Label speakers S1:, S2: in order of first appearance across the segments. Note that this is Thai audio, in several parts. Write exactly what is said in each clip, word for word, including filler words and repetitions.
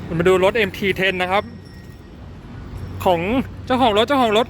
S1: มาดูรถ เอ็ม ที เท็น นะครับของเจ้าของรถเจ้าของรถ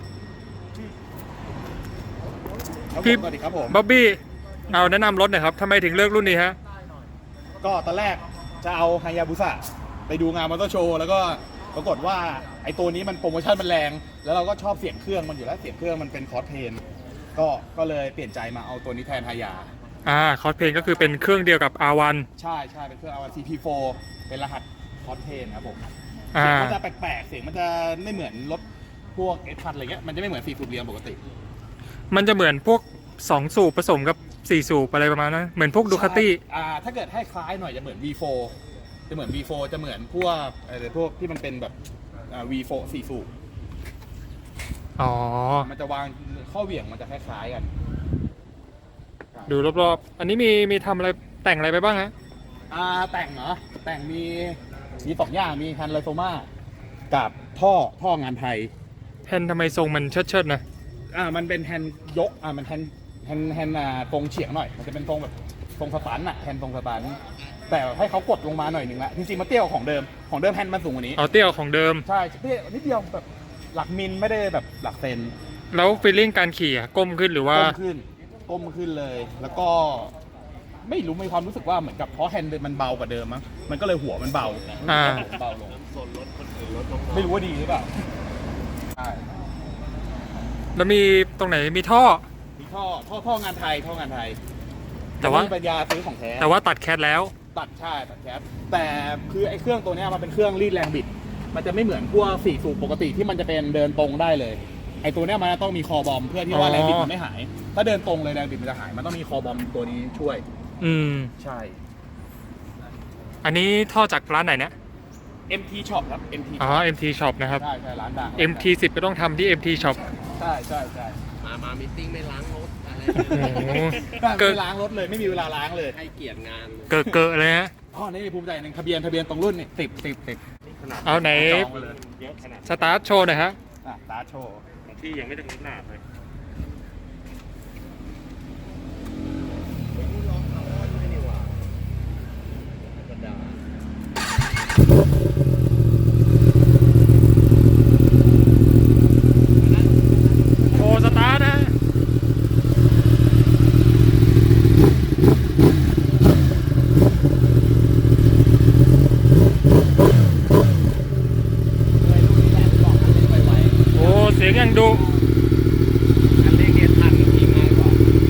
S1: พี่
S2: สวัสดีครับผม
S1: บ๊อบบี้เอาแนะนำรถหน่อยครับทำไมถึงเลือกรุ่นนี้ฮะ
S2: ก็ตอนแรกจะเอาฮายาบุสะไปดูงานมอเตอร์โชว์แล้วก็ปรากฏว่าไอ้ตัวนี้มันโปรโมชั่นมันแรง แล้วเราก็ชอบเสียงเครื่องมันอยู่แล้วเสียงเครื่องมันเป็นคอร์สเพนก็ก็เลยเปลี่ยนใจมาเอาตัวนี้แทนฮายา
S1: อ่าคอสเพนก็คือเป็นเครื่องเดียวกับ อาร์ วัน
S2: ใช่ใช่เป็นเครื่อง อาร์ วัน ซี พี โฟร์ เป็นรหัสคอร์สเพนครับผม
S1: อ่า
S2: เสียงมันจะแปลกๆเสียงมันจะไม่เหมือนรถพวกเอสพันอะไรเงี้ยมันจะไม่เหมือนสี่สูบเรียงปกติ
S1: มันจะเหมือนพวกสองสูบผสมกับสี่สูบอะไรประมาณนั้นเหมือนพวกดูคาตี้
S2: อ่าถ้าเกิดให้คล้ายหน่อยจะเหมือน วี โฟร์ จะเหมือน วี โฟร์ จะเหมือนพวกอะไรพวกที่มันเป็นแบบอ่า วี โฟร์ สี่สูบ
S1: อ๋อ
S2: มันจะวางข้อเหวี่ยงมันจะคล้ายๆกัน
S1: ดูรอบๆอันนี้มีมีทำอะไรแต่งอะไรไปบ้างฮะ
S2: อ่าแต่งเหรอแต่งมีมีสองอย่างมีฮันไลโซมากับท่อท่องานไทย
S1: แผ่นทำไมทรงมันเชิดๆนะ
S2: อ่ามันเป็นแฮนด์ยกอ่ามันแฮนด์แฮนด์แฮนด์อ่าตรงเฉียงหน่อยมันจะเป็นตรงแบบตรงสปันอะแฮนด์ตรงสปันแต่ให้เขากดลงมาหน่อยหนึ่งละจริงๆมันเตี้ยกว่าของเดิมของเดิมแฮนด์มันสูงกว่านี้
S1: เอาเตี้ยของเดิม
S2: ใช่เตี้ยนิดเดียวแบบหลักมิลไม่ได้แบบหลักเซน
S1: แล้วฟีลลิ่งการขี่อะก้มขึ้นหรือว่า
S2: ก้มขึ้นก้มขึ้นเลย แล้วก็ไม่รู้มีความรู้สึกว่าเหมือนกับเพราะแฮนด์มันเบากว่าเดิมมั้งมันก็เลยหัวมันเบา
S1: อ่า
S2: เบาลงไม่รู้ว่าดีหรือเปล่าใช่
S1: แล้วมีตรงไหนมีท่อ
S2: มีท่อท่อท่องานไทยท่องานไทย
S1: แต่ว่า
S2: ไม่มีปัญญาซื้อของแท้
S1: แต่ว่าตัดแคทแล้ว
S2: ตัดใช่ตัดแคปแต่คือไอ้เครื่องตัวเนี้ยมันเป็นเครื่องรีดแรงบิด มันจะไม่เหมือนพวกสี่สูบปกติที่มันจะเป็นเดินตรงได้เลยไอ้ตัวเนี้ยมันต้องมีคอบอมเพื่อที่ว่า
S1: อ๋อ
S2: แรงบิดมันไม่หาย ถ้าเดินตรงเลยแรงบิดมันจะหายมันต้องมีคอบอมตัวนี้ช่วย
S1: อืม
S2: ใช่
S1: อันนี้ท่อจากร้านไหนเนี่ย
S2: เอ็ม ที Shop ครับ เอ็ม ที
S1: อ๋อ เอ็ม ที Shop นะครับ
S2: ใช่ใช่ร้านดัง
S1: เอ็ม ที สิบ ก็ต้องทำที่ เอ็ม ที Shop
S2: ใช่ใช่ใช่
S3: มามามิทติ้งไม่ล้างรถอะไร
S1: โอ้โห
S2: ไม่ล้างรถเลยไม่มีเวลาล้างเลย
S3: ให้เกียรติงาน
S1: เกอะเกอะเลยฮะ
S2: อ๋อนี่ภูมิใจหนึ่งทะเบียนทะเบียนตรงรุ่นนี่สิบสิบสิบ
S1: เอาไหน
S2: จองไปเลย
S3: เยอะขนาด
S1: สตาร์ทโชว์หน่อยฮะ
S2: อ่ะตาร์ทโชว์
S3: ของพี่ยังไม่ได้ขนาดเลย
S1: โชว์สตาร์ทนะ
S2: เลยรุ่นนี้แหละบอกอันนี้ไว
S1: โอ้ เสียงยังดุ
S3: อันเล็กเนี่ยทันกับพี่ง่ายกว่า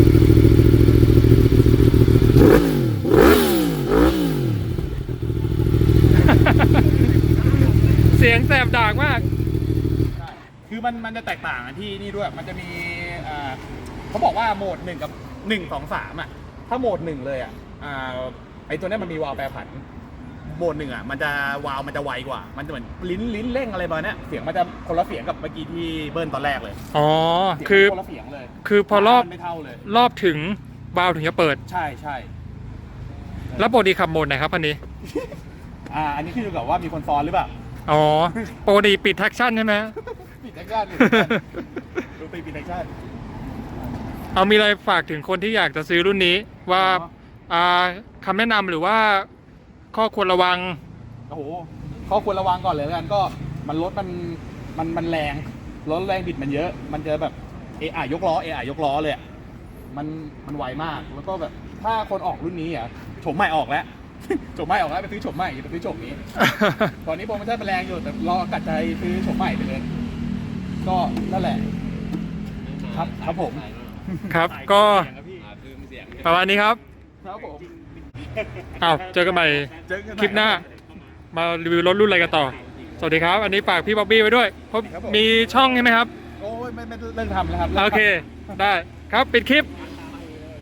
S1: เสียงแสบดากมาก
S2: ๆใช่คือมันมันจะแตกต่างกันที่นี่ด้วย มันจะมีอ่าเขาบอกว่าโหมดหนึ่งกับหนึ่งสองสามอ่ะ ถ้าโหมดหนึ่งเลยอ่ะอ่าไอตัวเนี้ยมันมีวาล์วแปรผัน โหมดหนึ่งอ่ะมันจะวาล์วมันจะไวกว่า มันจะเหมือนลิ้นลิ้นเร่งอะไรประมาณเนี้ยเสียงมันจะคนละเสียงกับเมื่อกี้ที่เบิ้ลตอนแรกเลย
S1: อ๋อ
S2: เสียง
S1: คือ
S2: คนละเสียงเลย
S1: คือพอรอบ
S2: มันไม่เท่าเลย
S1: รอบถึงวาล์วถึงจะเปิด
S2: ใช่ใช่
S1: แล้วปกติขับโหมดไหนครับอันนี้
S2: อ่าอันนี้ขึ้นอยู่กับว่ามีคนซ้อนหรือเปล่า
S1: อ๋อปกติปิดแท็กชั่นใช่ไหม
S2: ปิดแท็กชั่นปิดแท็กชั่นดูตีปิดแท็กชั่น
S1: เอามีอะไรฝากถึงคนที่อยากจะซื้อรุ่นนี้ว่า
S2: อ๋อ
S1: อ่าคำแนะนำหรือว่าข้อควรระวัง
S2: โอ้โหข้อควรระวังก่อนเลยแล้วกันก็มันรถมันมันมันแรงรถแรงบิดมันเยอะ มันจะแบบเอไอยกล้อเอไอยกล้อเลยอะมันมันไวมากแล้วก็แบบถ้าคนออกรุ่นนี้อ่ะโฉมใหม่ออกแล้ว โฉมใหม่ออกแล้วไปซื้อโฉมใหม่อย่าไปซื้อโฉมนี้ ตอนนี้โปรโมชั่นมันแรงอยู่แต่รอกัดใจซื้อโฉมใหม่ไปเลย ก็นั่นแหละ ครับครับผม
S1: ครับ ก็
S3: อ่าคือเสียง
S1: ประมาณนี้ครับ
S2: ครับผม
S1: อ้าวเจอกันใหม่
S2: เจอกัน
S1: คลิปหน้า มารีวิวรถรุ่นอะไรกันต่อ สวัสดีครับ อันนี้ฝากพี่บ๊อบบี้ไว้ด้วยเพราะมีช่องใช่ไหมครับ
S2: โอ้ยไม่ไม่เลิกทำแล้วครับ
S1: โอเค ได้ครับ ปิดคลิป
S2: ค